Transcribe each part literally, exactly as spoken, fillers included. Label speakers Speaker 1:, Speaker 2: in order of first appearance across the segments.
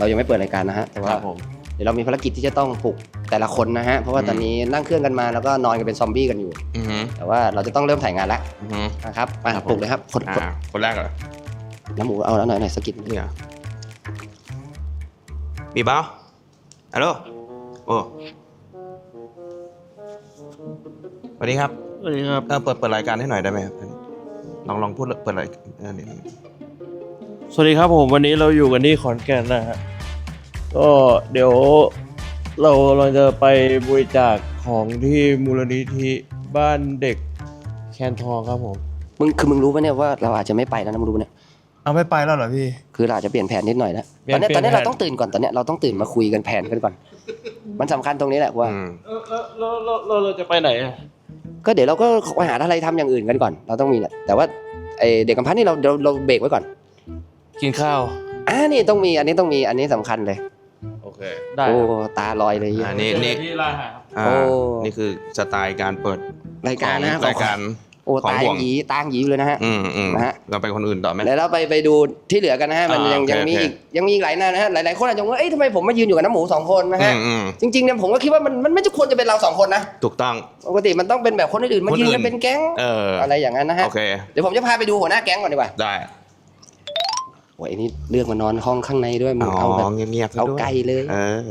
Speaker 1: เรายังไม่เปิดรายการนะฮะแต่ว่าเดี๋ยวเรามีภารกิจที่จะต้องปลุกแต่ละคนนะฮะเพราะว่าตอนนี้นั่งเครื่องกันมาแล้วก็นอนกันเป็นซอมบี้กันอยู่แต่ว่าเราจะต้องเริ่มถ่ายงานแล้วนะครับมาปลุกเลยครับคน
Speaker 2: คนแรกเหรอ
Speaker 1: น้ำหมูเอาแล้วหน่อยหน่อยสกิด
Speaker 2: นี่เหรอมีเปล่าฮัลโหลโอ้สวัสดีครับ
Speaker 3: สวัสดีครับ
Speaker 2: เออเปิดเปิดรายการให้หน่อยได้ไหมครับลองลองพูดเปิดรายเออนี่
Speaker 3: สวัสดีครับผมวันนี้เราอยู่กันที่ขอนแก่นนะฮะก็เดี๋ยวเราเราจะไปบริจาคของที่มูลนิธิบ้านเด็กแคนทองครับผม
Speaker 1: มึงคือมึงรู้ปะเนี่ยว่าเราอาจจะไม่ไปแล้วนะมึงรู้ปะเนี่ย
Speaker 3: เอาไม่ไปแล้วเหรอพี่
Speaker 1: คือเราอาจจะเปลี่ยนแผนนิดหน่อยแล้วตอนนี้ตอนนี้เราต้องตื่นก่อนตอนนี้เราต้องตื่นมาคุยกันแผนกันก่อนมันสำคัญตรงนี้แหละว่า
Speaker 3: เออเราเราเราเราจะไปไหนอ่ะ
Speaker 1: ก็เดี๋ยวเราก็ไปหาอะไรทำอย่างอื่นกันก่อนเราต้องมีแหละแต่ว่าไอเด็กกำพร้านี่เราเราเราเบรกไว้ก่อน
Speaker 3: กินข้าว
Speaker 1: อ่านี่ต้องมีอันนี้ต้องมีอันนี้สำคัญเลย
Speaker 3: โอเคได้
Speaker 1: โอ้ตาลอยเลย
Speaker 2: อันนี้นี่
Speaker 3: ที่ร้านอาหาร
Speaker 2: โอ้นี่คือสไตล์การเปิด
Speaker 1: รายการนะ
Speaker 2: รายการ
Speaker 1: โอ้ตาหยีตาหยีเลยนะฮะ
Speaker 2: อืมอืมนะฮะเราไปคนอื่นต่อไหม
Speaker 1: แล้วเราไปไปดูที่เหลือกันนะฮะมันยังยังมีอีกยังมีอีกหลายหน้านะฮะหลายๆคนอาจจะว่าเอ้ยทำไมผมมายืนอยู่กับน้ำหมูสองคนนะฮะจริงๆเนี่ยผมก็คิดว่ามันมันไม่ควรจะเป็นเราสองคนนะ
Speaker 2: ถูกต้อง
Speaker 1: ปกติมันต้องเป็นแบบคนอื่นมายืนกันเป็นแก๊งอะไรอย่างนั้นนะฮะเดี๋ยวผมจะพาไปดูหัวหน้าแก๊งก่อนดีกว่า
Speaker 2: ได้
Speaker 1: โอ้ยนี่เลือกมานอนห้องข้างในด้วยมึงเอาแบบ
Speaker 2: เงียบๆ
Speaker 1: เอาไกลเลย
Speaker 2: เออ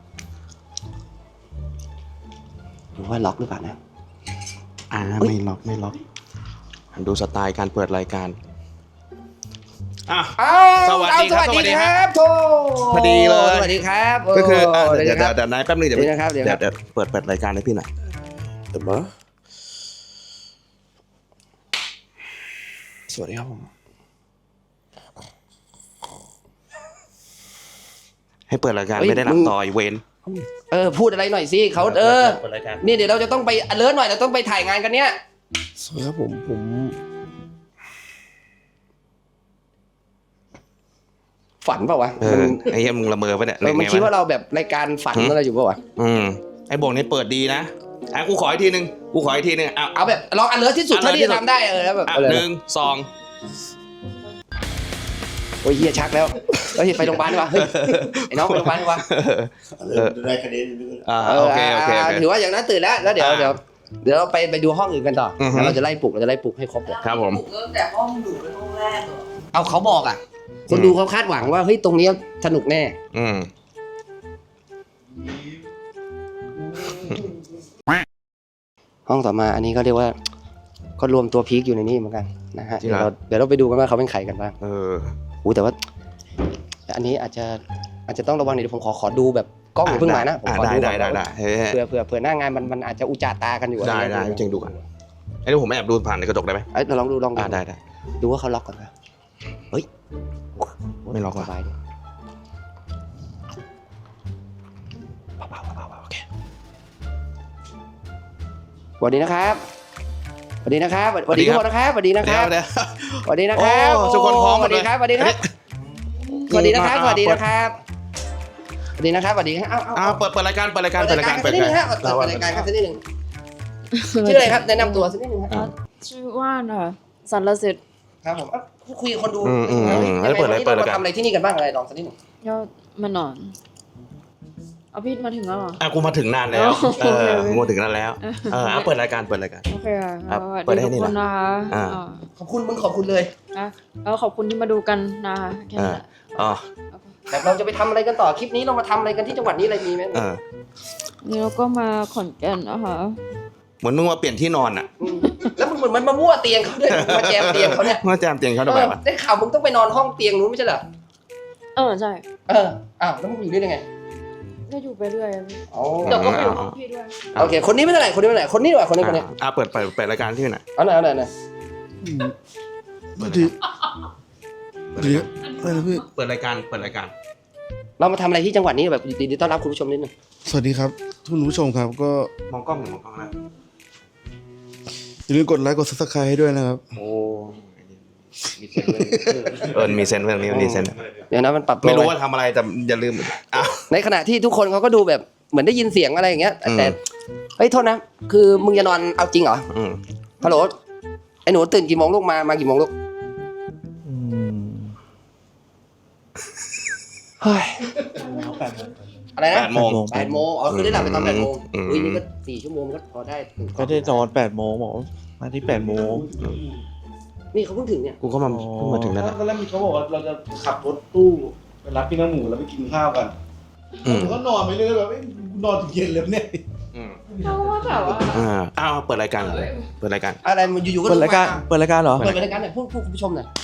Speaker 1: ดูว่าล็อกหรือเปล่านะ
Speaker 2: อ่าไม่ล็อกไม่ล็อกดูสไตล์การเปิดรายการอ่ะ
Speaker 1: สวัสดีครับสวัสดีครับโท
Speaker 2: พอดีเลย
Speaker 1: สวัสดีครับ
Speaker 2: ก็คือเดี๋ยวเดี๋ยวนายแป๊บนึงเดี๋ยว
Speaker 1: เดี๋ยว
Speaker 2: เดี๋ยวเปิดเปิดรายการให้พี่หน่อยเดี๋ยวมา
Speaker 1: สวัสดีครับผม
Speaker 2: ให้เปิดรายการไม่ได้หลับต่อยเวน
Speaker 1: เออพูดอะไรหน่อยสิเขาเออนี่เดี๋ยวเราจะต้องไปเลิศหน่อยเราต้องไปถ่ายงานกันเนี้ย
Speaker 3: สวัสดีครับผมผม
Speaker 1: ฝันเปล่าวะ
Speaker 2: เออไอ้เหี้ยมึงละเมอปะเนี่ย
Speaker 1: มันคิดว่าเราแบบรายการฝันอะไรอยู่เปล่าวะ
Speaker 2: อืมไอ้บงนี่เปิดดีนะอ่ะกูขออีกทีนึงกูขออีกทีนึงเอา
Speaker 1: เอาแบบลองอันเลิศที่สุดเท่าที่จะทำได้เออแล้วแบบ
Speaker 2: หนึ่งสอง
Speaker 1: โอ้ยเฮียชักแล้วเฮ้ยไปโรงพยาบาลดีกว่าเฮ้ยไอ้น้องไปโรงพยาบาลดีกว่า
Speaker 2: ได้คะแนนอ่าโอเคโอเค
Speaker 1: ถือว่าอย่างนั้นตื่นแล้วแล้วเดี๋ยวเดี๋ยวเดี๋ยวเราไปไปดูห้องอื่นกันต่อแล้วเราจะไล่ปลุกเราจะไล่ปลุกให้ครบเลย
Speaker 2: ครับผม
Speaker 4: ปลุกตั้งแต่ห้องอยู่เป็นห้องแรกเหรอ
Speaker 1: เอาเขาบอกอ่ะคนดูเขาคาดหวังว่าเฮ้ยตรงนี้สนุกแน่
Speaker 2: อืม
Speaker 1: ห้องต่อมาอันนี้ก็เรียกว่าก็รวมตัวพีคอยู่ในนี้เหมือนกันนะฮะเดี๋ยวเราเดี๋ยวเราไปดูกันว่าเขาเป็นใครกันบ้าง
Speaker 2: เออ
Speaker 1: โอ้แต่ว่าอันนี้อาจจะอาจจะต้องระวังเดี๋ยวผมขอขอดูแบบกล้องอย่าเพิ่งมานะผมขอดู
Speaker 2: ได้ได้ได้
Speaker 1: เผื่อเผื่อเผื่อหน้างานมันมันอาจจะอุจจาตากันอยู่
Speaker 2: ได้ได้จริงดูกันไอ้นี่ผมแอบดูผ่านในกระจกได้ไหม
Speaker 1: เอ้ยเราลองดูลองดู
Speaker 2: ได้ได้
Speaker 1: ดูว่าเขาล็อกก่อนนะเฮ้ย
Speaker 2: ไม่ล็อก
Speaker 1: สบายดีเบาๆเบาๆโอเคสวัสดีนะครับสวัสดีนะครับสวัสดีทุกคนนะครับสวัสดีนะครับสวัสดีนะครับ
Speaker 2: ทุกคนพร้อม
Speaker 1: สวัสดีครับสวัสดีครับสวัสดีนะครับสวัสดีนะครับสวัสดีนะครับสวัสดีครับ
Speaker 2: อ้าวเปิดเปิดรายการเปิดรายการเปิดรายการ
Speaker 1: เปิดรายการเปิดรายการครับสักนิดนึงชื่ออะไรครับแนะนำตัวสักนิดนึงครับ
Speaker 4: ชื่อว่านค่ะสันละสิทธิ์
Speaker 1: ครับผมคุยกับคนดู
Speaker 2: เปิดรายการเปิดรายการ
Speaker 1: ทำอะไรที่นี่กันบ้างอะไรลองสักนิดนึง
Speaker 4: ยอดมานอนเอาพี่มาถึงแล้วเหรอ
Speaker 2: อ่ะกูมาถึงนานแล้วเออกูมาถึงนานแล้วเออเปิดรายการเปิดรายการ
Speaker 4: โอเคค่ะเปิดให้นี่นะคะ
Speaker 1: ขอบคุณมึงขอบคุณเลย
Speaker 4: นะแล้วขอบคุณที่มาดูกันนะคะแค่นี้
Speaker 2: อ๋อ
Speaker 1: แต่เราจะไปทำอะไรกันต่อคลิปนี้เรามาทำอะไรกันที่จังหวัดนี้อะไรมีไหม
Speaker 4: นี่เราก็มาขอนแก่นนะคะ
Speaker 2: เหมือนมึงมาเปลี่ยนที่นอนอ่ะ
Speaker 1: แล้วมึงเหมือนมันมามั่วเตียงเขาด้วยมาแจมเตียงเขาเนี่ย
Speaker 2: มาแจมเตียงเขาทำไมวะ
Speaker 1: ได้ข่าวมึงต้องไปนอนห้องเตียงนู้นไม่ใช่เหรอ
Speaker 4: เออใช่
Speaker 1: เอออ้าวแล้วมึงอยู่ได้ยังไง
Speaker 4: ก็อยู่ไปเรื่อย
Speaker 1: อ๋อ
Speaker 4: เดี๋ยวก็ไปอยู่ห้องพี่ด้วย
Speaker 1: โอเคคนนี้ไม่เท่าไหร่คนนี้ไม่เท่าไหร่คนนี้ดีกว่าคนนี้คนนี้
Speaker 2: อ่ะเปิดเปิดเปิดรายการที่ไหน
Speaker 1: เอาหน่อยเอาหน่อยหน่อย
Speaker 3: สวัสดีสวัสดีอะไรนะพี่
Speaker 2: เปิดรายการเปิดรายการ
Speaker 1: เรามาทำอะไรที่จังหวัดนี้แบบดีๆต้อนรับคุณผู้ชมนิดนึง
Speaker 3: สวัสดีครับคุณผู้ชมครับก็
Speaker 2: มองกล้องหรือมองกล้องนะ
Speaker 3: อย่าลืมกดไลค์กดซับสไครต์ให้ด้วยนะครับ
Speaker 2: โอ้เออมีเซนเรื่องนี้มีเซน
Speaker 1: เดี๋ยวนะมันปรับ
Speaker 2: ไม่รู้ว่าทำอะไรแต่อย่าลืม
Speaker 1: ในขณะที่ทุกคนเขาก็ดูแบบเหมือนได้ยินเสียงอะไรอย่างเงี้ยแต่เฮ้ยโทษนะคือมึงจะนอนเอาจริงเหรอฮัลโหลไอ้หนูตื่นกี่โมงลูกมามากี่โมงลูกเฮ้ยอะไรนะ
Speaker 2: แปดโมง
Speaker 1: แปดโมงอ๋อคือได้หลับไปตอนแปดโมง
Speaker 2: อืม
Speaker 1: อุ้ยนี่ก็สี่ชั่วโมงมันก็พอได้ถึง
Speaker 3: ก็ได้นอนแปดโมงบอกมาที่แปดโมง
Speaker 1: นี่เขาเพิ่งถึงเนี่ย
Speaker 2: กูก็มาเพิ่งมาถึงนั่นแหละ
Speaker 5: ตอนแรกมีเขาบอกว่าเราจะขับรถตู้ไปรับพี่น้ำหมูแล้วไปกินข้าวกัน
Speaker 2: อืม
Speaker 5: ผมก็นอนไปเรื่อยๆแบบเอ้ยกูนอนถึงเย็นเลยเนี่ย
Speaker 2: อืม
Speaker 4: เพราะว่าแบบว่า
Speaker 2: อ่าอ้าวเปิดรายการเลยเปิดรายการ
Speaker 1: อะไรมันอยู่ๆก็
Speaker 3: เปิดรายการเปิดรายการเหรอ
Speaker 1: เปิดรายการหน่อยพูดพูดคุณผู้ชมหน่อย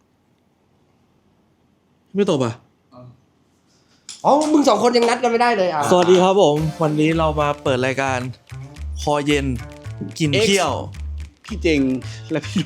Speaker 3: ไม่ตบอ่ะ
Speaker 1: อ๋อมึงสองคนยังนัดกันไม่ได้เลยอ่ะ
Speaker 3: สวัสดีครับผม วันนี้เรามาเปิดรายการคอเย็นกินเที่ยว
Speaker 5: พี่เจงและพี่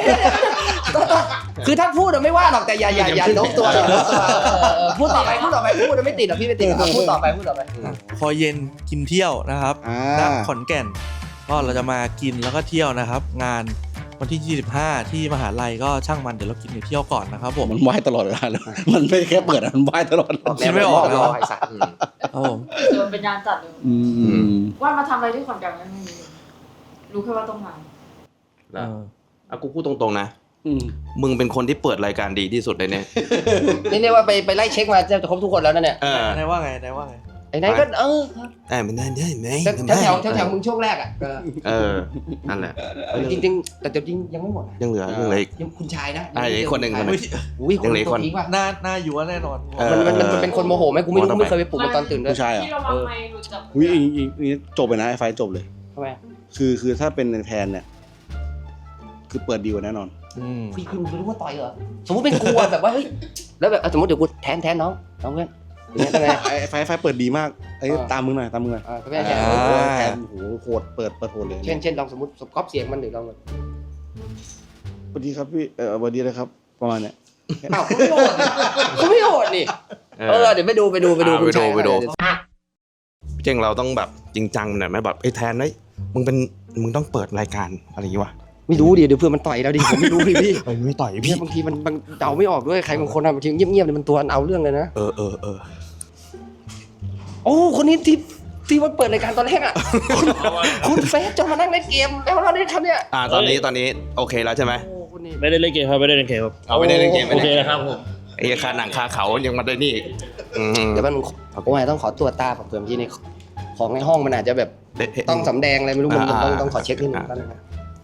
Speaker 1: คือถ้าพูดอะไม่ว่าหรอกแต่อย่าอย่าอย่าโน้มตัวอย่าโน้มตัวเออเออพูดต่อไปพูดต่อไปพูดอะไม่ติดหรอกพี่ไม่ติดหรอกพูดต่อไปพูดต่อไป
Speaker 3: คอเย็นกินเที่ยวนะครับ
Speaker 5: อ่า
Speaker 3: ณขอนแก่น ก็เราจะมากินแล้วก็เที่ยวนะครับ งานวันที่ยี่สิบห้าที่มหาลัยก็ช่างมันเดี๋ยวเรากินเที่ยวก่อนนะครับผม
Speaker 5: มันไหว้ตลอดเวลาเลยมันไม่แค่เปิดอะมันไหว้ตลอด
Speaker 3: คิดไม่ออกแล้ว
Speaker 1: ไอ้สัตว์
Speaker 3: ครับผม
Speaker 4: เดินเป็นงานจัดเลย
Speaker 5: อืม
Speaker 4: ว่ามาทำอะไรที่ขอนแก่นไม่รู้รู้แค่ว่าต้องมา
Speaker 2: แล้วอ่ะกูพูดตรงๆนะ
Speaker 5: อืม
Speaker 2: มึงเป็นคนที่เปิดรายการดีที่สุดเลยเนี่ย
Speaker 1: นี่เรียกว่าไปไปไล่เช็คมาจะครบทุกคนแล้วนะเนี่ย
Speaker 2: เออ
Speaker 3: นายว่าไงนายว่าไง
Speaker 1: ไอ้นายก็เออ
Speaker 2: เอ้ยมันได้ได้ไหม
Speaker 1: แถวแถวแถวแถวมึงช่วงแรกอ่ะก็
Speaker 2: เออนั่นแหละ
Speaker 1: จริงๆแต่จริงยังไม่หมดนะ
Speaker 2: ยังเหลือยังเหลืออีก
Speaker 1: ยังคุณชายนะ
Speaker 2: อ่ะอีกคนหนึ่งคนหนึ่ง
Speaker 1: อุ้ยคน
Speaker 2: ยังเหลืออีก
Speaker 1: ตัว
Speaker 2: คน
Speaker 1: พีกว่ะ
Speaker 3: หน้าหน้าอยู่ว่าแน่นอน
Speaker 2: เออ
Speaker 1: มันมันมันเป็นคนโมโหไหมกูไม่รู้
Speaker 2: โมโหทำไม
Speaker 1: ไม่เคยไปปลุกมันตอนตื่นด้วย
Speaker 5: ผู้ชายเหรอ
Speaker 4: ที่เราวางไมค์หลุดจาก
Speaker 5: อุ้ยอีอีอีจบไปนะไอ้ไฟจบเลย
Speaker 1: ทำไม
Speaker 5: คือคือถ้าเป็นในแพนเนี่ย คือเปิดดีกว่าแน่นอน
Speaker 3: อืม
Speaker 1: พี่คุณรู้ว่าต่อยเหรอสมมติเป็นกูอะแบบว่าเฮ้ยแล้วแบบสมมติเดี๋ยวกูแทนแทนน้องน้องเพื่อนอย่างเงี้ยทำไง
Speaker 5: ไอ้ไฟไฟเปิดดีมากไอ้
Speaker 1: อ่า
Speaker 5: ตามมึงหน่อยตามมึงหน่อย
Speaker 1: อ่าก็ไม่ใช่
Speaker 5: โอ้โหแพนโอ้โหโหดเปิดเปิดโหดเลย
Speaker 1: เช่นเช่นลองสมมติก๊อปเสียงมันหรือลองแบบ
Speaker 5: สวัสดีครับพี่เออสวัสดีเลยครับ ประมาณเนี้ย
Speaker 1: อ้าวคุณไม่โหดนี่คุณไม่โหดนี่เออเดี๋ยวไปดูไปดูไปดู
Speaker 2: อ่า
Speaker 1: คุณชาย
Speaker 2: ไปดูไปดู
Speaker 1: เยว
Speaker 2: เจงเราต้องแบบจริงจังหน่อยไหมแบบไอ้ยแทนเฮ้ยมึงเป็นมึงต้องเปิดรายการอะไรอย่างงี้วะ
Speaker 1: ไม่รู้ดิเดี๋ยวเพื่อนมันต่อยเราดิผมไม่รู้ดิพี่
Speaker 2: เอ้ยไม่ต่อย
Speaker 1: เนี่
Speaker 2: พี่
Speaker 1: ยบางทีมันมันเดาไม่ออกด้วยใครบางคนอะบางทีเงียบๆเนี่ยมันตัวเอาเรื่องเลยนะ
Speaker 2: เออเออเออ
Speaker 1: โอ้คนนี้ที่ที่ว่าเปิดรายการตอนแรกอ่ะ คุณคุณเฟสจนมานั่งเล่นเกมแล้วเราได้ทำเนี่ย
Speaker 2: อ่าตอนนี้ตอนนี้โอเคแล้วใช่ไหม
Speaker 1: โอ้คุณนี่
Speaker 3: ไม่ได้เล่นเกมครับไม่ได้เล่นเกมครับ
Speaker 2: เอาไม่ได้เล่นเกม
Speaker 3: โอเคนะครับผม
Speaker 2: ไอ้คาหนังคาเขายังมาได้นี่อีกอืม
Speaker 1: เดี๋ยวมันโอ้ยต้องขอตรวจตาผมเผื่อที่ในของในห้องมันอาจจะแบบ
Speaker 2: เละเทะ
Speaker 1: ต้องสำแดงอะไรไม่รู้มันมันต้อง
Speaker 2: อ่า
Speaker 1: ต้องขอเช็คนิดนึง
Speaker 2: อ่า
Speaker 1: แป๊บนึงนะ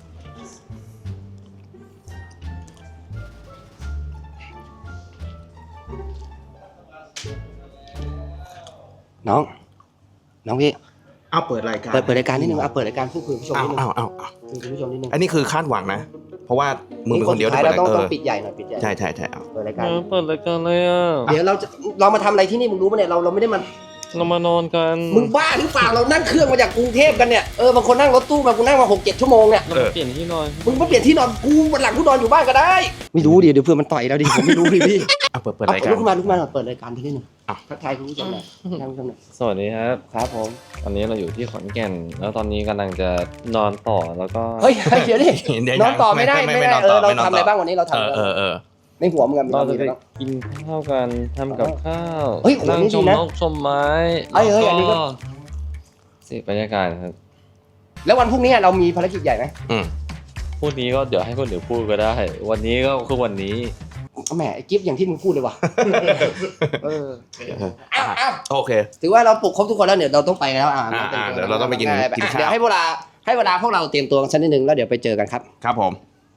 Speaker 1: น้อง น้องพี่
Speaker 2: เอาเปิดรายการ
Speaker 1: เปิดเปิดรายการนิดนึงเอาเปิดรายการพูดคุยกับผู้ชม
Speaker 2: เอา
Speaker 1: นิดนึง
Speaker 2: เอาเอาเอา
Speaker 1: คุยกับผู้ชมนิดนึง
Speaker 2: อันนี้คือคาดหวังนะ เพราะว่ามึงเป็นคนเดียวที่
Speaker 1: สุ
Speaker 2: เปิ
Speaker 1: ท้า
Speaker 2: ด
Speaker 1: เราต้อง
Speaker 2: เอ
Speaker 1: ต้อง
Speaker 2: อ
Speaker 1: ปิดใหญ่หน่อยปิดใหญ่
Speaker 2: ใช่ใช่ใช่เอา
Speaker 1: เปิดรายการ
Speaker 3: เปิดรายการเลยอ่ะ
Speaker 1: เดี๋ยวเราจะเรามาทำอะไรที่นี่มึงรู้ปะเนี่ยเราเราไม่ได้มา
Speaker 3: เรามานอนกัน
Speaker 1: มึงบ้าหรือเปล่าเรานั่งเครื่องมาจากกรุงเทพกันเนี่ยเออบางคนนั่งรถตู้มากูนั่งมาหกเจ็ดชั่วโมงเนี่ย
Speaker 3: เราเปลี่ยนที่นอน
Speaker 1: มึงมาเปลี่ยนที่นอนกูวันหลังกูนอนอยู่บ้านก็ได้ ไม่รู้ดิเดี๋ยวเพื่อนมันต่อยเราดิผมไม่รู้ดิพี่
Speaker 2: เอาเปิดเปิด
Speaker 1: เอา
Speaker 2: รายการ
Speaker 1: ลุกขึ้นมาลุกขึ้นมาหน่อยเปิดรายการที่นี่หนึ่ง
Speaker 2: อ่ะ
Speaker 1: ทักทายคุณผู้ชมหน่อยทักทายคุณผู้ชมหน่อย
Speaker 6: สวัสดีครับ
Speaker 1: ครับผม
Speaker 6: ตอนนี้เราอยู่ที่ขอนแก่น แล้วตอนนี้กำลังจะนอนต่อแล้วก็
Speaker 1: เฮ้ยเฮ้ยเดี๋ยวดิ
Speaker 2: เดี๋ยวน
Speaker 1: อนต่อไม่ได้ไม่ได้
Speaker 2: นอน
Speaker 1: เอ
Speaker 2: ต่
Speaker 1: อเรา
Speaker 2: ม่นน
Speaker 1: ทำอะไร
Speaker 2: ต่
Speaker 1: บ้างวันนี้เรา
Speaker 2: เอ
Speaker 1: ทำ
Speaker 2: อ
Speaker 1: อะไร
Speaker 2: เออเออ
Speaker 1: ในหัวมึงอะมี
Speaker 6: เรา
Speaker 1: อะไร
Speaker 6: จะไป
Speaker 1: บ้าง
Speaker 6: กินข้าวกันทำกับข้าว
Speaker 1: เฮ้ยโอ้โห
Speaker 6: นั่ง
Speaker 1: นี่
Speaker 6: ช
Speaker 1: ดี
Speaker 6: ม
Speaker 1: นะ
Speaker 6: นกชมไม้
Speaker 1: เอ้ยเอ้ยอันนี้ก็
Speaker 6: เสิบรรยากาศครับ
Speaker 1: แล้ววันพรุ่งนี้เรามีภารกิจใหญ่ไหม
Speaker 2: อืม
Speaker 6: พวกนี้ก็เดี๋ยวให้คนอื่นพูดก็ได้ วันนี้ก็คือวันนี้
Speaker 1: แหมไอ้กิฟต์อย่างที่มึงพูดเลยว่ะเอออ้าวอ้าว
Speaker 2: โอเค
Speaker 1: ถือว่าเราปลุกครบทุกคนแล้วเดี๋ยวเราต้องไปแล้วอ่า
Speaker 2: อ่าอ่าเดี๋ยวเราต้องไปกิน
Speaker 1: ด้
Speaker 2: กินข้าว
Speaker 1: เดี๋ยวให้เวลาให้เวลาพวกเราเตรียมตัวกันสักนิดนึงแล้วเดี๋ยวไปเจอกันครับ
Speaker 2: ครับผม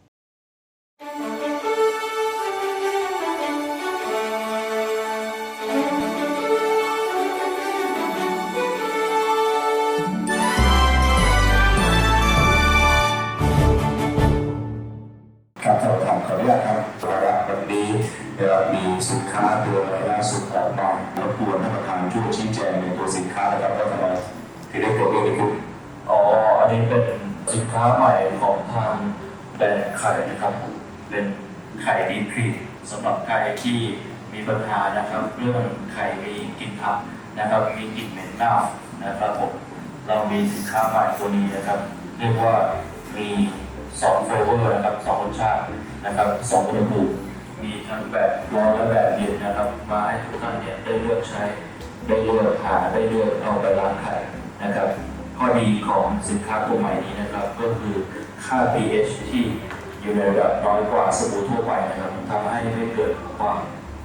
Speaker 7: ครับท่านประธานขออนุญาตครับวาระวันนี้เรามีสินค้าตัวใหม่ล่าสุดออกมารบกวนท่านประธานช่วยชี้แจงในตัวสินค้านะครับว่าทำไมถึงได้เกิดเรื่องนี้ขึ้น
Speaker 8: อ๋อ อันนี้เป็นสินค้าใหม่ของทางแบรนด์ไข่นะครับ เป็นไข่ดีพรีสำหรับใครที่มีปัญหานะครับ เรื่องไข่มีกลิ่นอับนะครับ มีกลิ่นเหม็นเน่านะครับผม เรามีสินค้าใหม่ตัวนี้นะครับ เรียกว่ามีสองเฟเวอร์นะครับสองรสชาตินะครับสองอุณหภูมิมีทั้งแบบร้อนและแบบเย็นนะครับมาให้ทุกท่านเนี่ยได้เลือกใช้ได้เลือกหาได้เลือกเอาไปล้างไข่นะครับข้อดีของสินค้าตัวใหม่นี้นะครับก็คือค่า pH ที่อยู่ในระดับน้อยกว่าสบู่ทั่วไปนะครับทำให้ไม่เกิดความ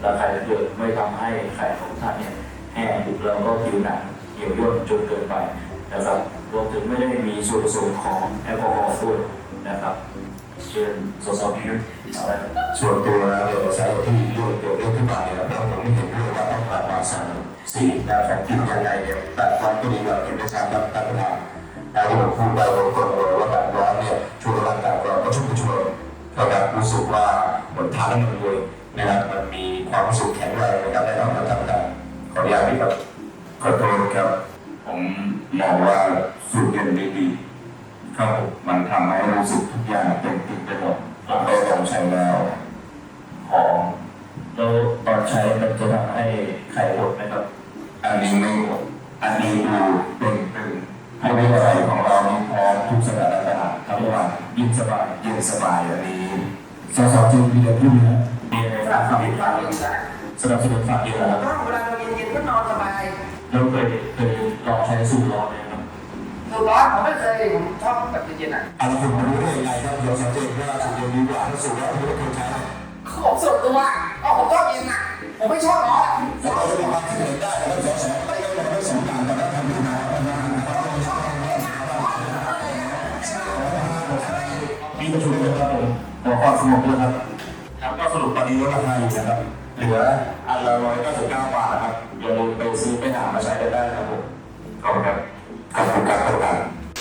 Speaker 8: และไข่เดือดไม่ทำให้ไข่ของท่านเนี่ยแห้งแล้วก็ผิวหนังเหี่ยวย่นจนเกินไปนะครับรวมถึงไม่ได้มีส่วนผสมของแอลกอฮอล์ด้วยนะครับเชิญสสพิยุทธ์อะไร
Speaker 7: ส่วนตัวแล้วเนี่ยสาเหตุที่เรื่องเกิดเรื่องขึ้นมาเนี่ยเราผมไม่เห็นด้วยว่าต้องผ่านมาสามสี่นะของกินยังไงเนี่ยแต่ความก็ดีเราเห็นได้ชัดครับท่านประธานแต่ที่ผมพูดไปตรงๆเลยว่าแบบร้อนเนี่ยช่วยร่างกายเราก็ชุ่มกระชวยนะครับรู้สึกว่าเหมือนทานแล้วมันรวยนะครับมันมีความรู้สึกแข็งแรงนะครับได้รับการทำการขออนุญาตพี่ครับขอโทษครับผมมองว่าสูตรเย็นดีๆครับมันทำให้รู้สึกทุกอย่างเป็นติดไปหมดผมได้ลองใช้แล้วหอม
Speaker 8: แล้วตอนใช้มันจะทำให้ไข่หดไหมครับ
Speaker 7: อันนี้ไม่หมดอันนี้ดูเป็นเป็นให้ไม่ใส่ของเรานี่พร้อมทุกสถานการณ์ทั้งวันยิ่งสบายยิ่งสบายอันนี้สสจูนมีอะไรพูดไหม
Speaker 8: มีอะไรบ้างครับสนับสนุนฝากเยอะแล้ว
Speaker 1: เวลาเราเย็นๆก็นอนสบาย
Speaker 8: แล้วเคยเคยลองใช้สูตรร้อนไหมครับ
Speaker 1: สูตรร้อนผมไม่เคยผมชอบแบบเย็นๆอ่ะ
Speaker 7: อันนี้คุณรู้ได้ยังไงครับเดี๋ยวสังเกตว่าสูตรเย็นดีกว่าถ้าสูตรร้อนคุณไม่เคยใช้
Speaker 1: ผมส่วนตัวอ๋อผมชอบเย็นอ่ะผมไม่ชอบร้อน
Speaker 7: แล้วเราจะมีความคิดเห็นได้นะครับสสไม่ได้เราไม่สองต่างกันนะทำดีนะ
Speaker 8: มีประชุมด้วยครับผมหัวข้อสรุปด้วยครับ
Speaker 7: ครับก็สรุปตอนนี้ลดราคาอยู่นะครับเหลืออันละร้อยเก้าสิบเก้าบาทนะครับอย่าลืมไปซื้อไปหามาใช้กันได้นะครับผมขอบคุณครับขอบคุณครับท่านประธาน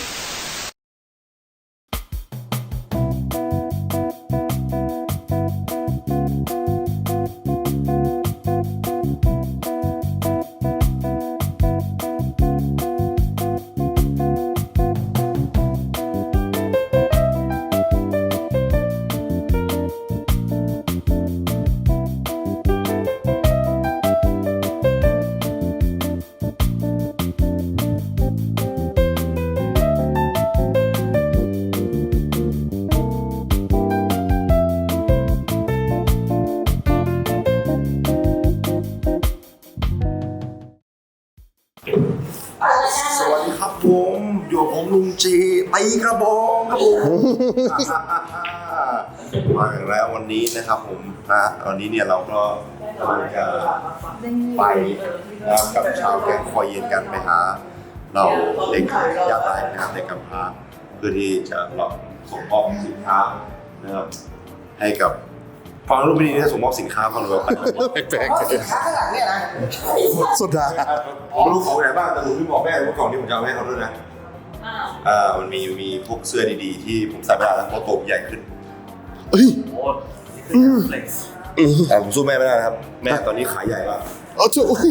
Speaker 9: สวัสดีครับผมอยู่กับผมลุงจีตีกระบองครับผม มาอีกแล้ววันนี้นะครับผมนะวันนี้เนี่ยเราก็กำลังจะไปนะครับกับชาวแก๊งคอยเย็นกันไปหาเราเด็กยากไร้นะครับเด็กกำพร้าเพื่อที่จะเราส่งมอบสินค้านะครับให้กับฟังรูปไม่ดีนะส่งมอบสินค้าฟังดูแบบแปลก
Speaker 1: เพราะสินค้าข้างหลังเนี่ยนะ
Speaker 9: ๆสุดท้ายผมรู้ของไหนบ้างแต่ผมไม่บอกแม่ว่าก่อนที่ผมจะเอาให้เขาด้วยนะอ่ามันมีมีพวกเสื้อดีๆที่ผมใส่ไม่ได้แล้วเพราะตัวผมใหญ่ขึ้นเฮ้ยแต่ผมสู้แม่ไม่ได้นะครับแม่ตอนนี้ขายใหญ่มากอ๋อจุ๊ย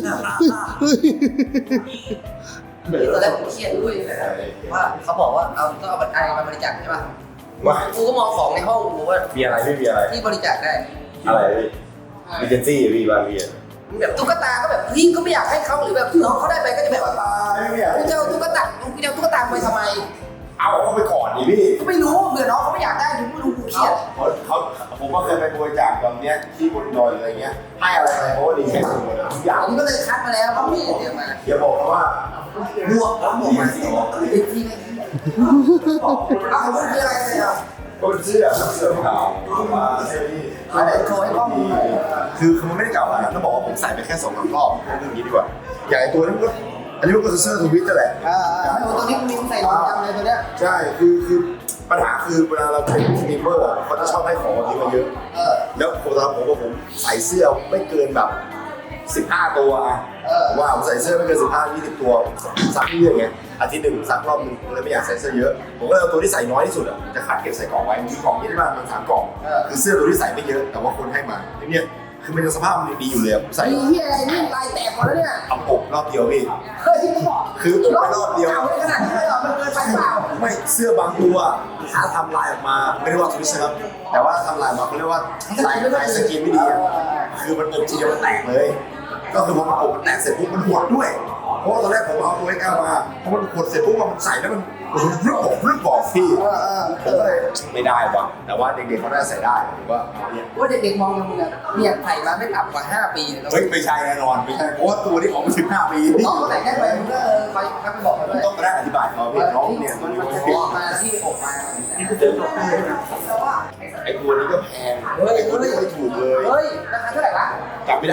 Speaker 1: ตอนแรกผมเครียดด้วยว่าเขาบอกว่าเอาต้องเอาบัตรไอมาบริจาคใช่ป่ะ
Speaker 9: ว่า
Speaker 1: กูก็มองของในห้องกูว่า
Speaker 9: มีอะไรไม่มีอะไร
Speaker 1: ที่บริจาคได้
Speaker 9: อะไรพี่มีเจนซี่พี่บางพี่
Speaker 1: แบบตุ๊กตาก็แบบพี่ก็ไม่อยากให้เขาหรือแบบน้องเขาได้ไปก็จะแบบ
Speaker 9: ตายไม่อยาก
Speaker 1: กูจะเอาตุ๊กตากูจะเอาตุ๊กตาไปทำไม
Speaker 9: เอาเขาไปก่อนดิพี่
Speaker 1: ก็ไม่รู้เผื่อน้องเขาไม่อยากได้หรือไม่รู้กูเครียด
Speaker 9: เขาผมก็เคยไปบริจาคแบบเนี้ยที่บนดอยอะไรเงี้ยให้อะไรไปเพราะว่าดีแค่หมดทุกอย่าง
Speaker 1: ผมก็เลยคัดมาแล้วเขาพี่เดี๋ยวมา
Speaker 9: อย่าบอกนะว่า
Speaker 1: บวกแล้วบวกมาสิอีกทีนึงเอาเขาคืออะไรเนี่ย
Speaker 9: ก็เป็นเสื้อเสื้อขาวมาเสื้อนี่
Speaker 1: อะไรโชว์ให้กล้องดู
Speaker 9: คือคือมันไม่ได้เก่าแล้วต้องบอกว่าผมใส่ไปแค่สองสามรอบเรื่องนี้ดีกว่าอย่างไอตัวนี้มันก็อันนี้มันก็คือเสื้อทวิตนั่นแหละ
Speaker 1: อ่าตัวนี้มีใส่รองจำเลยตัวเนี้ย
Speaker 9: ใช่คือคือปัญหาคือเวลาเราเป็นสตรีมเมอร์เขาจะชอบให้ของแบบนี้มาเยอะ
Speaker 1: เออ
Speaker 9: แล้วผมตอนผมว่าผมใส่เสื้อไม่เกินแบบสิบห้าตัวอะ
Speaker 1: เออ
Speaker 9: ว่าผมใส่เสื้อไม่เกินสิบห้ายี่สิบตัวซักเรื่อยไงอาทิตย์หนึ่งซักรอบนึงเลยไม่อยากใส่เสื้อเยอะผมก็เลยเอาตัวที่ใส่น้อยที่สุดอะจะคัดเก็บใส่กล่องไว้มีกล่องยี่สิบห้ามันสามกล่องคือเสื้อตัวที่ใส่ไม่เยอะแต่ว่าคนให้มาเนี่ยคือมันยังสภาพมันดีอยู่เลยผมใส่
Speaker 1: ไอ้เหี้ยอะไรนี่ลายแตกหมดแล้วเนี่ย
Speaker 9: ทำปกรอบเดียวพี่
Speaker 1: เฮ้ย
Speaker 9: คือผมไปรอบเดียว
Speaker 1: เก่าขนาดนี้เลยเหรอมันเกินไปเปล่า
Speaker 9: ไม่เสื้อบางตัวถ้าทำลายออกมาไม่ได้ว่าทวิสครับแต่ว่าทำลายออกมาเขาเรียกว่าลายลายสกินไม่ดีอะคือมันอบทีเดียวมันแตกเลย ก็คือพอมันอบมันแตกเสร็จปุ๊บมันหดด้วย เพราะว่าตอนแรกผมเอาตัวเอ็กซ์เอามาพอมันหดเสร็จปุ๊บมันใส่แล้วมันมันรึบบอกรึบบอกพี่ผมก็เลยไม่ได้ว่ะแต่ว่าเด็กๆเขาน่าใส่ได้ผมว่าเอาเนี่ย
Speaker 1: ว่าเด็กๆมองกันมึงอะเนี่ยใส่มาไม่ต่ำกว่าห้าปีเลย
Speaker 9: เฮ้ยไม่ใช่แน่นอนไม่ใช่เพราะว่าตัวนี้ของมันสิบห้าปี
Speaker 1: น้องคนไหนได้ไปมึงก็เออคอยคอยไปบอกเขาด้วย
Speaker 9: ต้องมาได้อธิบายเขาพี่น้องเนี่ยตัวนี้มัน
Speaker 1: ออกมาที่ออกมา
Speaker 9: นี่คือเดินออกมาไอ้ตัวนี้ก็แพง
Speaker 1: เฮ้ย
Speaker 9: ไอ้ตัว
Speaker 1: เฮ้
Speaker 9: นี้
Speaker 1: ย
Speaker 9: ไม่ถูกเลย
Speaker 1: เฮ้ยราคาเท่าไหร่วะ
Speaker 9: จำไม่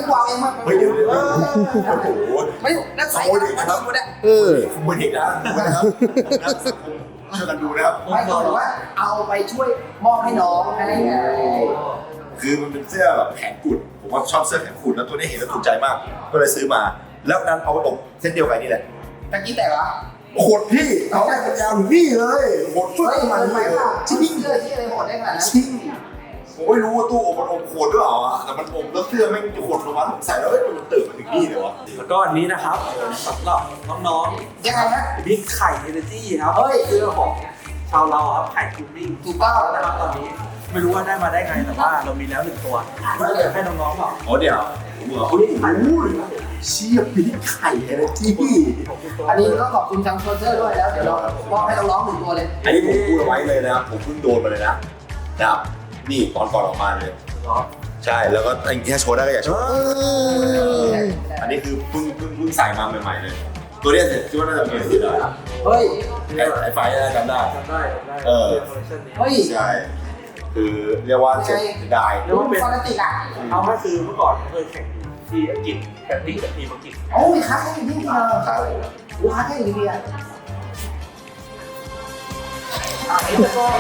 Speaker 1: กูเอาเองมา
Speaker 9: เฮ้ยเดี๋ยวเดี๋ยวโอ้โห
Speaker 1: ไม่นักใส่
Speaker 9: ขโมยเด็กนะครับ
Speaker 2: เออ
Speaker 9: ขโมยเด็กนะดูนะครับนักสังคมช่วยกันดูนะครับ
Speaker 1: ไม่เขาบอกว่าเอาไปช่วยมอบให้น้องให้ไง
Speaker 9: คือมันเป็นเสื้อแบบแขนกุดผมว่าชอบเสื้อแขนกุดแล้วตัวนี้เห็นแล้วถูกใจมากก็เลยซื้อมาแล้วนั้นเอาไปอบเส้นเดียวกันนี่แหละ
Speaker 1: ตะกี้แต่ละ
Speaker 9: โหดพี่เอาได้เป็นยาวถึงนี่เลยโหดฟึ่
Speaker 1: เฮ้ย
Speaker 9: ง
Speaker 1: มั
Speaker 9: มันน
Speaker 1: ไป
Speaker 9: เลย
Speaker 1: ว่า
Speaker 9: จริ
Speaker 1: ชิ้
Speaker 9: ง
Speaker 1: นเสื้อที่อะไรโหดได้ขนาดนั้น
Speaker 9: จริงผมไม่รู้ว่าตู้อบมันอบโหดหรือเปล่าอะแต่มันอบแล้วเสื้อแม่งจะโหดลงมาผมใส่แล้วเอ้ยมันตื่นมาถึงนี่เลยวะ
Speaker 5: แล้วก็อันนี้นะครับสำหรับน้อง
Speaker 1: ยังไงฮะ
Speaker 5: ๆบิ๊กไข่เอเนจีครับ
Speaker 1: เฮ้ย
Speaker 5: เสื้อของชาวเราครับไข่คูลิ่ง
Speaker 1: ถูกต้อง
Speaker 5: นะครับตอนนี้ไม่รู้ว่าได้มาได้ไงแต่ว่าเรามีแล้วหนึ่งตัวก็เลยให้น้องๆบอก
Speaker 9: อ๋อเดี๋ยวผมเหรอเฮ้ยเชี่ยปีไข่เอเนจี
Speaker 1: อันนี้ก็ขอบคุณทางโซเชียลด้วยแล้วเดี๋ยวเรามอบให้น้องๆหนึ่งตัวเลย
Speaker 9: อันนี้ผมพูดเอาไว้เลยนะครับผมเพิ่งโดนมาเลยนะนะครับนี่ตอนก่อนออกมาเลยใช่แล้วก็ไอ้แค่โชว์ได้ก็อยากโชว์อันนี้คือเพิ่งเพิ่งเพิ่งใส่มาใหม่ๆเลยตัวเนี้ยคิดว่าน่าจะเป็นที่ได้
Speaker 1: เฮ้ย
Speaker 9: ไอ้ไอ้ไฟน่าจะจำได้
Speaker 5: จำได้จำได้
Speaker 9: เออ
Speaker 5: คอลเลคชันนี้
Speaker 1: เฮ้ย
Speaker 9: ใช่คือเรียกว่าเสียดาย
Speaker 1: รู้เป็นฟานาติกอ่ะ
Speaker 5: เอาก็คือเมื่อก่อนเคยแข่งที่อังกฤษแข่งที่กับทีมอังกฤษ
Speaker 1: โอ้ยค้าแค่อยู่ที่นี่เหรอค้าแค่อยู่ที่นี่อ่ะอ่ะไอ้ตะก้อ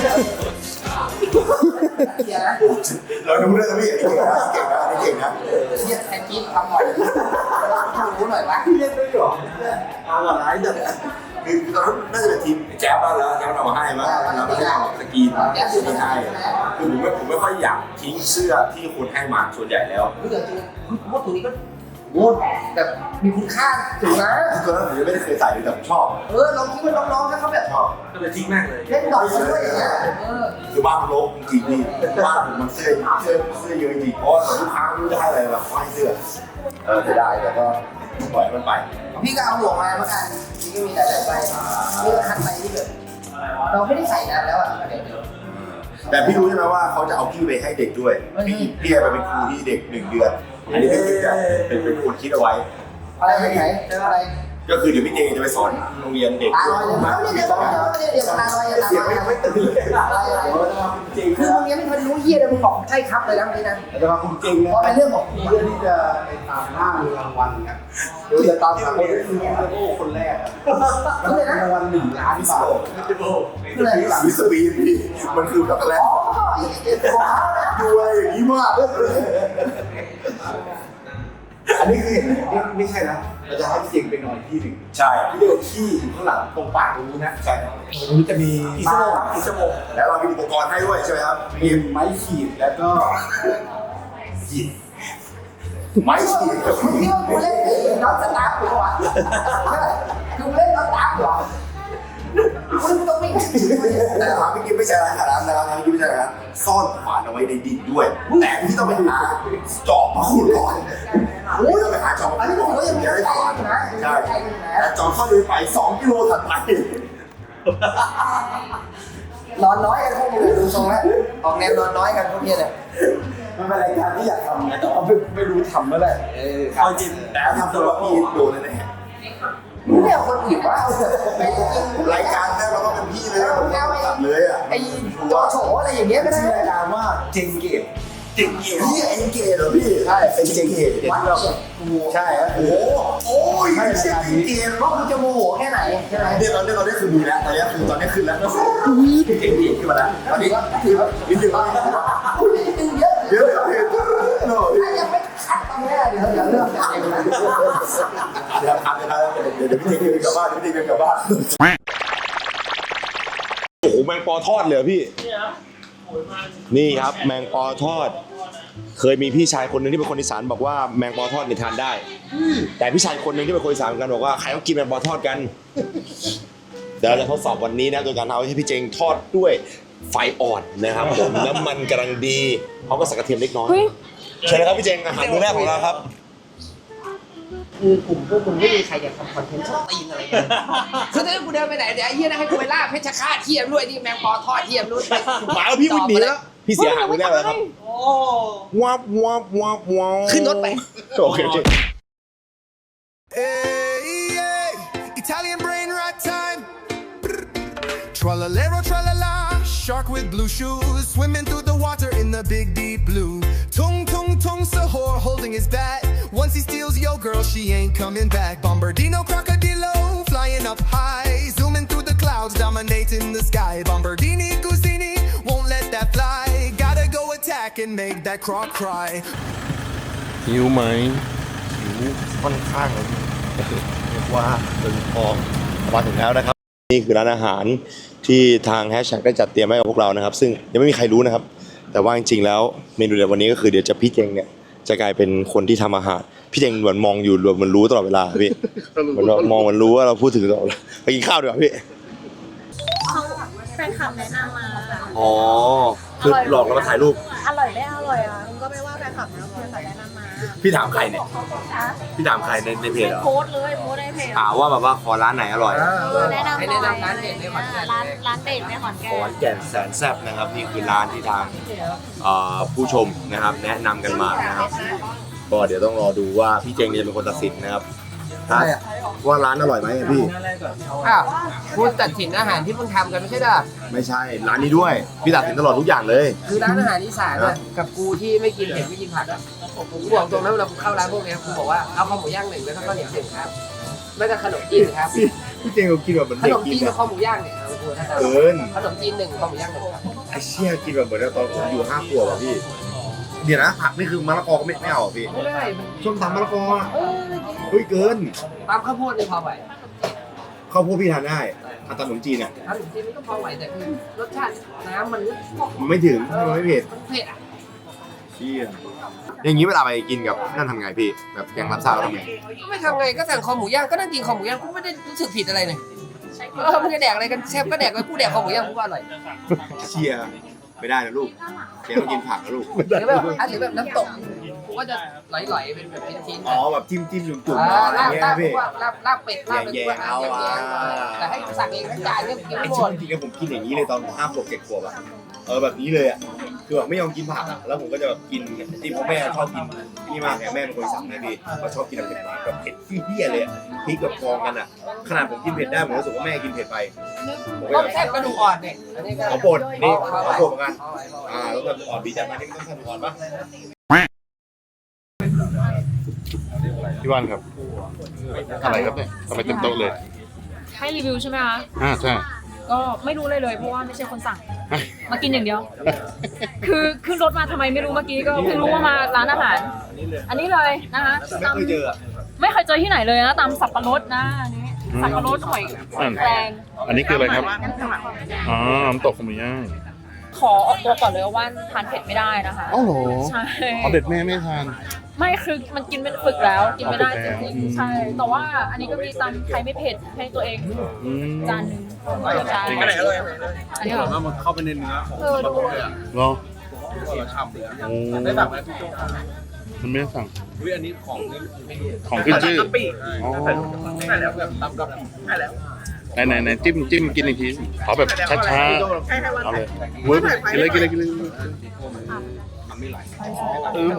Speaker 1: เดี๋ยวนะ
Speaker 9: เราดูด้วยนะพี่เก่งนะเก่งนะเก่งนะ
Speaker 1: เรียกแทนกิ๊บทำหน่อยรู้หน่อยวะ
Speaker 5: เล่นด้วยเหรอเอาหวานร้ายเด็ด
Speaker 9: คือตอนนั้นน่าจะเป็นทีมแจ๊บแล้วแล้วแจ๊บเอามาให้มั้งแล้วก็ให้เอาสกรีนแจ๊บซื้อมาให้คือผมไม่ผมไม่ค่อยอยากทิ้งเสื้อที่คุณให้มาส่วนใหญ่แล้ว
Speaker 1: รู้จักจริงพูดถึงนี้ก็โว้แบบมีคุณค่าถึงนะ
Speaker 9: คือตัวนั้นผมยังไม่ได้เคยใส่เลยแต่ผมชอบ
Speaker 1: เออลองคิดว่าน้องๆถ้าเขาแบบ
Speaker 9: ชอบ
Speaker 5: ก็เลยทิ้งแม่งเลย
Speaker 1: เล่นดอกด้วยอย่างเงี้ยเออ
Speaker 9: คือบ้านมันรกจริงๆนี่บ้านผมมันเสื้อเสื้อเสื้อเยอะจริงเพราะว่าลูกค้าไม่รู้จะให้อะไรแบบให้เสื้อเออเสียดายแต่ก็ปล่อยมันไป
Speaker 1: พี่ก็เอาหมวกมาเหมือนกันพี่ก็มีหลายๆใบนี่ก็คันใบที่แบบเราไม่ได้ใส่นานแล้วอ่ะเดี๋ยวเดี๋ยว
Speaker 9: แต่พี่รู้ใช่ไหมว่าเขาจะเอาพี่ไปให้เด็กด้วยพี่พี่ไปเป็นครูที่เด็กหนึ่งเดือนอันนี้เป็นเป็นเป็นคนคิดเอาไว้
Speaker 1: อะไรไหนไหนอะไร
Speaker 9: ก็คือเดี๋ยวพี่เจจะไปสอนโรงเรียนเด็ก
Speaker 1: ตาลอยเลยมั้งเดี๋ยวเดี๋ยวเดี๋ยวเดี๋ยวตาลอยตา
Speaker 9: เสียง
Speaker 1: ลอย
Speaker 9: ยังไม่ตื่นเลย
Speaker 1: อะไรอะไรคือมึงยังไม่ทันรู้เฮียเลยมึงบอกใช่ครับเลยนะนี่นะ
Speaker 9: แต่ว่าคุณจริง
Speaker 1: เพ
Speaker 9: นะ
Speaker 1: ราะเป็นเรื่องของ
Speaker 9: เพื่อที่จะไปตามล่ามีรางวัลครับหรือจะตามหาคนที่มีโอ้คนแรกแล้วรางวัลหนึ่งล้านบาท
Speaker 1: คืออะไร
Speaker 9: วิสบีนพี่มันคือช็อกโกแลต
Speaker 1: อ๋อไอ้เด็กของเขานะ
Speaker 9: ดูอะไรอย่างนี้มากอันนี้คือไม่ใช่นะเราจะให้พี่เจงไปนอนที่หนึ่งใช่พี่เดียวที่อยู่ข้างหลังตรงปากตรงนู้นนะใช่ตรงนี้จะมี
Speaker 5: กี่ชั่วโมงกี่ชั่วโมง
Speaker 9: แล้วเรามีอุปกรณ์ให้ด้วยใช่ไหมครับมีไม้ขีดแล้วก็หยิบไม้ขีดกับ
Speaker 1: มึงคิดว่ากูเล่นไอ้น็อตสตาร์ทหรอวะกูเล่นน็อตสตาร์ทหรอคุณต้องไม่
Speaker 9: แต่ถามพี่กิ๊ฟไม่ใช่ร้านขนาดนั้นนะครับพี่กิ๊ฟไม่ใช่ร้านซ่อนขวานเอาไว้ในดินด้วยแต่พี่ต้องไปหาจอบมาขุดก่อนโอ้ยต้องไปหาจอบ
Speaker 1: อันนี้
Speaker 9: มา
Speaker 1: ผม
Speaker 9: ขุด
Speaker 1: ก็ยังไม่
Speaker 9: ก่อน
Speaker 1: ได้
Speaker 9: ได้
Speaker 1: ใช้
Speaker 9: ก่อน
Speaker 1: นะ
Speaker 9: ใช่
Speaker 1: ใช้นะ
Speaker 9: แต่จอบเข้าเลยไปสองกิโลถัดไป
Speaker 1: นอนน้อยกันพวกมึงดูทรงแล้วออกแนวนอนน้อยกันพวกนี้เลย
Speaker 9: มันเป็นรายการที่อยากทำนะแต่ว่าไม่ไม่รู้ทำเมื่อไหร่เออเอาจริงแต่ทำตัวพี่โดนแน่
Speaker 1: มึงไม่เอาคนอื่นว่าเอา
Speaker 9: รายการแรกเราต้องเป็นพี่เลยผมตัดเลยอ่ะ
Speaker 1: ไอ้โจโฉอะไรอย่างเงี้ยก็ได้
Speaker 9: ชื่อรายการว่าเจงเกตเจงเกตพี่เอ็นเกตเหรอพี่ใช่เป็นเจงเกต
Speaker 1: วัดเนี่ยกู
Speaker 9: ใช่ครับโอ้โหโอ้ยไม่ใช่เจงเกต
Speaker 1: ว่ากูจะโมโหแค่ไหนใช่ไหม
Speaker 9: เนี่ยตอนนี้ตอนนี้คือมีแล้วตอนนี้คือตอนนี้ขึ้นแล้วเจงเกตขึ้นมาแล้วตอนนี้คือนิดนึงว่า
Speaker 1: กูนิดนึงเยอะ
Speaker 9: เยอะเลยพี่โน่
Speaker 1: ถ้ายังไม่คัดตรงนี้เดี๋ยวเดี๋ยวเริ่มจากเองนะ
Speaker 9: เดี๋ยวทำนะครับเดี๋ยวเดี๋ยวพี่เจงเกตกลับบ้านพี่เจงเกตกลับบ้านโอ้โหแมงปอทอดเลยพี่นี่ครับแมงปอทอดเคยมีพี่ชายคนหนึ่งที่เป็นคนอีสานบอกว่าแมงปอทอดเนี่ยทานได้แต่พี่ชายคนหนึ่งที่เป็นคนอีสานเหมือนกันบอกว่าใครเขากินแมงปอทอดกันเดี๋ยวเราจะทดสอบวันนี้นะโดยการเอาให้พี่เจงทอดด้วยไฟอ่อนนะครับผมน้ำมันกำลังดีเขาก็ใส่กระเทียมเล็กน้อยเชิญเลยครับพี่เจงอาหารมื้อแรกของเราครับ
Speaker 1: คือกลุ่มพวกมึงไม่มีใครอยากทำคอนเทนต์ชอบตีนอะไรกันคือถ้ากูเดินไปไหนเดี๋ยวไอ้เหี้ยนะให้กูไปล่าเพชรฆาตเทียมด้วยนี่แมงปอทอดเทียมด้วย
Speaker 9: หมาแล้วพี่วิ่งหนีแล้วพี่เสียหายมื้อแรกแล้วครับวับวับวับวับ
Speaker 1: ขึ้นรถไป
Speaker 9: โอเคโอเค
Speaker 10: Italian brain right time. Tra-la-lero, tra-la-la. shark with blue shoes, swimming through the water in the big deep blue. Tung tung tung Sahur holding his bat. Once he steals your girl, she ain't coming back. Bombardino crocodilo flying up high, zooming through the clouds, dominating the sky. Bombardini Gusini won't let that fly. Gotta go attack and make that croc cry.
Speaker 2: หิวไหม
Speaker 9: ค่อนข้างเลยเรียกว่าตึงพองมาถึงแล้วนะครับนี่คือร้านอาหารที่ทางแฮชแท็กได้จัดเตรียมให้กับพวกเรานะครับซึ่งยังไม่มีใครรู้นะครับแต่ว่าจริงๆแล้วเมนูในวันนี้ก็คือเดี๋ยวจะพี่เจงเนี่ยจะกลายเป็นคนที่ทำอาหารพี่เจงเหมือนมองอยู่เหมือนรู้ตลอดเวลาพี่เหมือนมองเหมือนรู้ว่าเราพูดถึงตลอดไปกินข้าวดีกว่าพี่
Speaker 11: เขาแฟนคลับแนะนำมา
Speaker 9: อ๋อคือหลอกเรามาถ่ายรูป
Speaker 11: อร่อยไม่อร่อยอ่ะมันก็ไม่ว่าแฟนคลับนะแฟนคลับแนะนำมา
Speaker 9: พี่ถามใครเนี่ยพี่ถามใครในในเพจเหรอ
Speaker 11: โพสต์เลยโพสต์ในเพจ
Speaker 9: ถามว่าแบบว่าขอร้านไหนอร่อย
Speaker 11: แนะนำหน่อยร้านเด็ดในขอนแก่นร้านร้านเด็ดในขอนแก่
Speaker 9: ขอน
Speaker 11: น
Speaker 9: แก่นแสนแซ่บนะครับนี่คือร้านที่ทางเอ่อผู้ชมนะครับแนะนำกันมานะครับก็เดี๋ยวต้องรอดูว่าพี่เจงจะเป็นคนตัดสินนะครับว่าร้านอร่อยไหมพี่
Speaker 1: อ้าวคุณตัดสินอาหารที่เพิ่งทำกันไม่ใช่เหรอ
Speaker 9: ไม่ใช่ร้านนี้ด้วยพี่ตัดสินตลอดทุกอย่างเลย
Speaker 1: คือร้านอาหารอีสานอะกับกูที่ไม่กินเผ็ดไม่กินผักอะกูบอกตรงนะเวลากูเข้าร้านพวกเนี้ยกูบอกว่าเอาข้าวหมูย่างหนึ่งแล้วก็ข้าวเหนียวหนึ่งครับไม่ก็ขนมจีนครับ
Speaker 9: พี่เจงเขากินแบบเหมือน
Speaker 1: ข
Speaker 9: เด็
Speaker 1: น
Speaker 9: ก
Speaker 1: ม
Speaker 9: กิ
Speaker 1: จี
Speaker 9: น
Speaker 1: น
Speaker 9: อะ
Speaker 1: กับข้าวหมูย่างเนี่ยเอากูถ้า
Speaker 9: เกิน
Speaker 1: ขนมจีนหนึ่งข้าวหมูย่างหนึ่งครับ
Speaker 9: ไอ้เชี่ยกินแบบเหมือนตอนผมอยู่ห้าขวบอะพี่เดี๋ยวนะผักนี่คือมะละกอก็ไม่ไม่เอาอะพี่
Speaker 1: ไม่ได้
Speaker 9: ส้มตำมะละกออะ
Speaker 1: เออ
Speaker 9: เฮ้ยเกิน
Speaker 1: ตามข้าวโพดนี่พอไหว
Speaker 9: ข้าวโพดพี่ทานได้อาตำขนมจีนอะ
Speaker 1: ขนมจีนนี่ก็พอไหวแต่คือรสชาติน้ำมัน
Speaker 9: มันไม่ถึงมันไม่เผ็ด
Speaker 1: มันเผ็ดอะ
Speaker 9: เชี่ยอย่างนี้เวลาไปกินกับนั่นทำไงพี่แบบแกงรับซาแล้วทำไง
Speaker 1: ไม่ทำไงก็สั่งคอหมูย่างก็นั่งกินคอหมูย่างกูไม่ได้รู้สึกผิดอะไรเลยเออมึงจะแดกอะไรกันเชฟก็แดกไปกูแดกคอหมูย่างกูก็อร่อย
Speaker 9: เชียร์ไม่ได้นะลูกแกต้องกินผักนะลูก
Speaker 1: หรือแบบอ่ะหรือแบบน้ำตกกูก็จะไหลๆเป็นแบบชิ้นๆ
Speaker 9: อ๋อแบบจิ้มจิ้มจุ่มจุ่ม
Speaker 1: อ่า
Speaker 9: อะไร
Speaker 1: ลาบ
Speaker 9: เงี้ย
Speaker 1: ลาบ
Speaker 9: พี่
Speaker 1: ลาบลาบเป็ดลาบเป็ด
Speaker 9: แย่ๆเอาอ่ะ
Speaker 1: แต่ให้สั่งเองทั้งจานเนี่ยกิน
Speaker 9: ไอ้
Speaker 1: ไม่หม
Speaker 9: ชิ้
Speaker 1: ด
Speaker 9: นจริงๆผมกินอย่างนี้เลยตอนห้าขวบเจ็ดขวบอะเออแบบนี้เลยอะคือแบบไม่ยอมกินผักอะแล้วผมก็จะแบบกินที่พ่อแม่ชอบกินนี่มากไงแม่เป็นคนสั่งให้ดีเขาชอบกินแบบเผ็ดมากแบบเผ็ดที่เหี้ยเลยอะพริกแบบกองกันอะขนาดผมกินเผ็ดได้ผมรู้สึกว่าแม่กินเผ็ดไปผมก็
Speaker 1: ต้ม
Speaker 9: อยาก
Speaker 1: แซ่บกระดูกอ่อนเนี่ยอันนี้ก็
Speaker 9: ขอปนนี่ขอปนเหมือนกันอ่าแล้วก็อ่อนบีจัดมานี่ต้องทำก่อนปะพี่วันครับอะไรครับเนี่ยทำไมเต็มโต๊ะเลย
Speaker 4: ให้รีวิวใช่ไหมคะ
Speaker 9: อ่าใช่
Speaker 4: ก็ไม่รู้เลยเลยเพราะว่าไม่ใช่คนสั่ง มากินอย่างเดียว คือขึ้นรถมาทำไมไม่รู้เมื่อกี้ก็เพิ่งรู้ว่ามาร้านอาหาร อันนี้เลยนะคะ
Speaker 9: ไม่เคยเจออะ
Speaker 4: ไม่เคยเจอที่ไหนเลยนะตำสับปะรดนะอันนี้สับปะรดหอยแครง
Speaker 2: อันนี้คืออะไรครับอ๋อน้ำตกขมิ้นย่าง
Speaker 4: ขอออกตัวก่อนเลยว่าทานเผ็ดไม่ได้นะคะ
Speaker 2: อ๋อเหรอ
Speaker 4: ใช่
Speaker 2: เอาเด็ดแม่ไม่ทาน
Speaker 4: ไม่คือมันกินเป็นฝึกแล้วกินไม่ได้
Speaker 2: อ๋อฝึ
Speaker 4: จ
Speaker 2: กแล้ว
Speaker 4: ริงๆใช่แต่ว่าอันนี้ก็มีตำไทยไม่เผ็ดให้ตัวเอง
Speaker 2: อืม
Speaker 4: จานหนึงใช่
Speaker 5: อันไหนอร่อย
Speaker 4: อันนี้เหรอ
Speaker 5: ว่ามันเข้าไปในเนื้อของ
Speaker 4: เออดู
Speaker 5: เลยอ่ะ
Speaker 2: เหรอ
Speaker 5: ฉ่ำเลยอ่ะ
Speaker 2: โอ้
Speaker 5: ได้สั่งไหมพี่โจ
Speaker 2: มันไม่ได้สั่ง
Speaker 5: อุ้ยอันนี้ของนี่ไม่ดี
Speaker 2: ของขึ้นชื่อ
Speaker 5: กะปิ
Speaker 2: อ๋อ
Speaker 5: ใช่แล้วแบบตำกะปิใช่แล้ว
Speaker 2: ไหนไหนไหนจิ้มจิ้มกินอีกทีขอแบบช้าๆเอาเลยเว้ยกินเลยกินเลยกินเลยเออ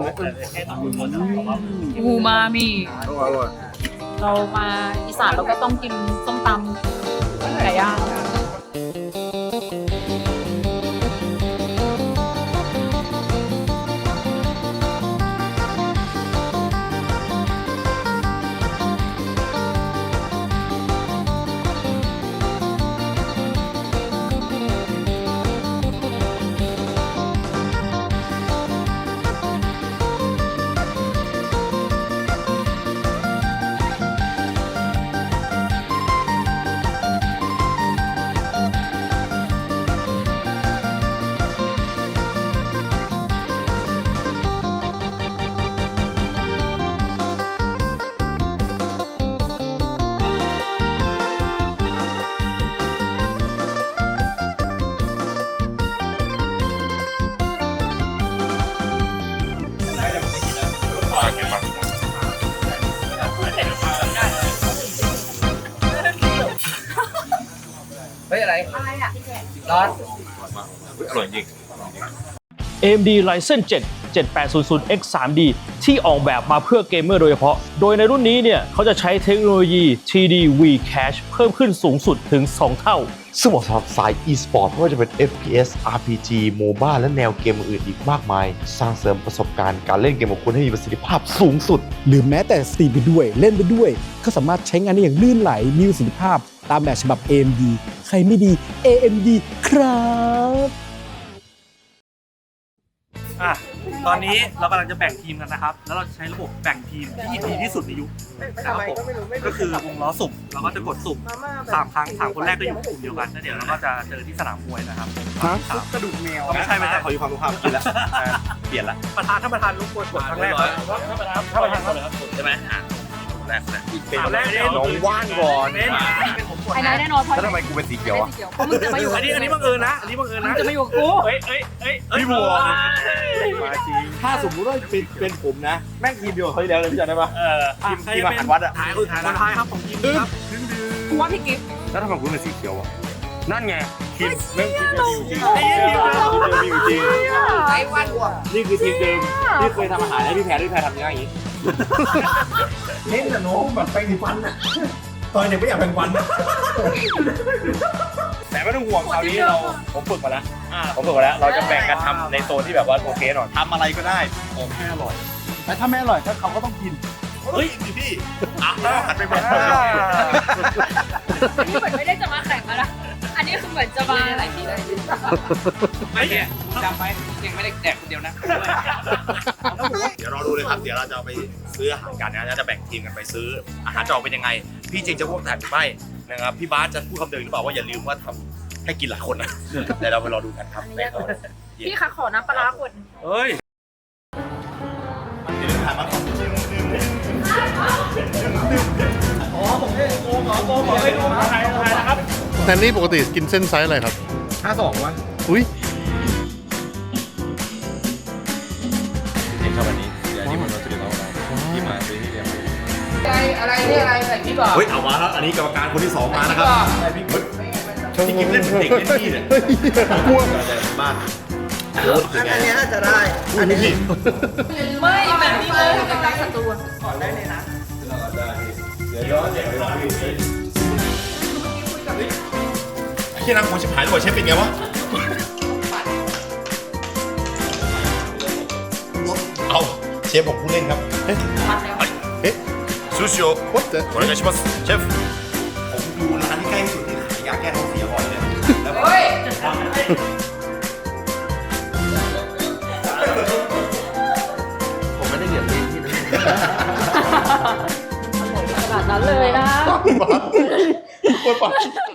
Speaker 4: อูมามิ
Speaker 5: อร่อย
Speaker 4: เรามาอีสานเราก็ต้องกินส้มตำไก่ย่าง
Speaker 1: เฮ้ยอะไร อะไรอ่ะร้อน
Speaker 2: อร่อยจริง
Speaker 3: เอ เอ็ม ดี Ryzen เจ็ด
Speaker 12: เจ็ดแปดศูนย์ศูนย์ เอ็กซ์ ทรี ดี ที่ออกแบบมาเพื่อเกมเมอร์โดยเฉพาะโดยในรุ่นนี้เนี่ยเขาจะใช้เทคโนโลยี ทรี ดี วี Cache เพิ่มขึ้นสูงสุดถึงสองเท่า
Speaker 2: ซึ่งเหมาะสำหรับสาย e-sport ไม่ว่าจะเป็น เอฟ พี เอส อาร์ พี จี โมบ้าและแนวเกมอื่นอีกมากมายสร้างเสริมประสบการณ์การเล่นเกมของคุณให้มีประสิทธิภาพสูงสุด
Speaker 13: หรือแม้แต่สตรีมไปด้วยเล่นไปด้วยก็สามารถใช้งานได้อย่างลื่นไหลมีประสิทธิภาพตามแบบฉบับ เอ เอ็ม ดี ใครไม่ดี เอ เอ็ม ดี ครับ
Speaker 5: อ่ะตอนนี้เรากำลังจะแบ่งทีมกันนะครับ แล้วเราจะใช้ระบบแบ่งทีมที่ดีที่สุดในยุคนะครับผมก็คือวงล้อสุ่มเราก็จะกดสุ่มสามครั้งสามคนแรกก็อยู่กลุ่มเดียวกันแล้วเดี๋ยวเราก็จะเจอที่สนามมวยนะครับกระดูกแมวไม่ใช่ไม่ใช่ขออยู่ความรู้ความกินแล้วเปลี่ยนละประธานท่านประธานรบกวนกดครั้งแรกท่านประธานท่านประธานเลยครับใช่ไหมอ่ะแรกเป็นแรกน้องว่านก่อน
Speaker 4: ไอ้นายแน่นอนเพราะ
Speaker 2: แล้วทำไมกูเป็นสีเขียวอ่ะ
Speaker 4: เพราะมึงจะมาอยู่
Speaker 5: อันนี้อันนี้บังเอิญนะอันนี้บังเอิญนะ
Speaker 4: จะมาอยู่กับกู
Speaker 5: เฮ้ยเฮ้ยเฮ้ยพี่บัวมาจริงถ้าสมมติว่าเป็นเป็นผมนะแม่งทีมเดียวเขาที่แล้วเลยพี่จำได้ปะเออทีมทีมอาหารวัดอ่ะท้ายคือคนท้ายครับของทีมครับ
Speaker 4: กูว่าพี่กิ๊ฟ
Speaker 2: แล้วทำไมกูเป็นสีเขียวอ่ะ
Speaker 5: นั่นไงทีมเรื่องทีมเดิมจริงไอ้ทีมเดิมจริงจริงไอ้วันนี่คือทีมเดิมที่เคยทำอาหารให้พี่แพรพี่แพรทำยังไงอย่างนี้
Speaker 9: เล่นแต่น้องแบบแปรงสีฟันอ่ะตอนเด็กไม่อยากแปรงฟัน
Speaker 5: แต่ไม่ต้องห่วงคราวนี้เราผมฝึกมาแล้วผมฝึกมาแล้วเราจะแบ่งกันทำในโซนที่แบบว่าโอเคหน่อยทำอะไรก็ได้ผมแค่อร่อยแต่ถ้าไม่อร่อยก็เขาก็ต้องกินเฮ้ยพี่อ่ะหันไปแบบ
Speaker 4: นี่เหมือนไม่ได้จะมาแข่งแล้วอันนี้คือเหมือนจะมาอะไรที่ไหน
Speaker 5: ไม่เนี่ยจำไว้ยังไม่ได้แดกคนเดียวนะเดี๋ยวรอดูเลยครับเดี๋ยวเราจะเอาไปซื้ออาหารกันนะจะแบ่งทีมกันไปซื้ออาหารจะออกเป็นยังไงพี่จริงจะพูดแต่ไม่นะครับพี่บาสจะพูดคำเดิมหรือเปล่าว่าอย่าลืมว่าทำให้กินหลายคนนะเดี๋ยวเราไปรอดูกันครับ
Speaker 4: พี่คะขอน้ำปลาร้าคน
Speaker 5: เฮ้ยอ๋อผมให้โกงเหรอโกงเหรอให้ดูถ่ายถ่ายนะครับ
Speaker 14: แทนนี่ปกติกินเส้นไซส์อะไรครับ
Speaker 5: ห้าสองวะ
Speaker 14: อุ้ย
Speaker 6: เด็กชอบอันนี้เดี๋ยวนี้มันจะเรียกว่าที่มาซื้อที่เรียน
Speaker 1: อะไรอะไรนี่อะไรใส่พริกก่อน
Speaker 5: เฮ้ยเอามาแล้วอันนี้กรรมการคนที่สองมานะครับใส่พริกที่กินเล่นเด็กเล่นที่เนี่ยกลัวบ้าน
Speaker 1: อันนี้จะได้
Speaker 5: อันนี้ผิด
Speaker 4: ไม่แบบนี้เลยเป็นการศัตรู
Speaker 5: ขอได้เลยนะเดี๋ยวย้อนเดี๋ยวย้อนพี่ที่นั่งกูชิบหายเลยเชฟเป็นไงวะเอาเชฟผมผู้เล่นครับเอ๊ะเอ๊ะซูชิโอวัดเตอร์โอเคชิมัสเชฟผมดูร้านที่ใกล้สุดที่ขายยาแก้ท้องเสียก่อนเลยแล้วเฮ้ย
Speaker 2: ผมไม่ได้เหยียบลิ้นที่นั่น
Speaker 4: ขนาดนั้นเลยนะ
Speaker 2: โคตรปาก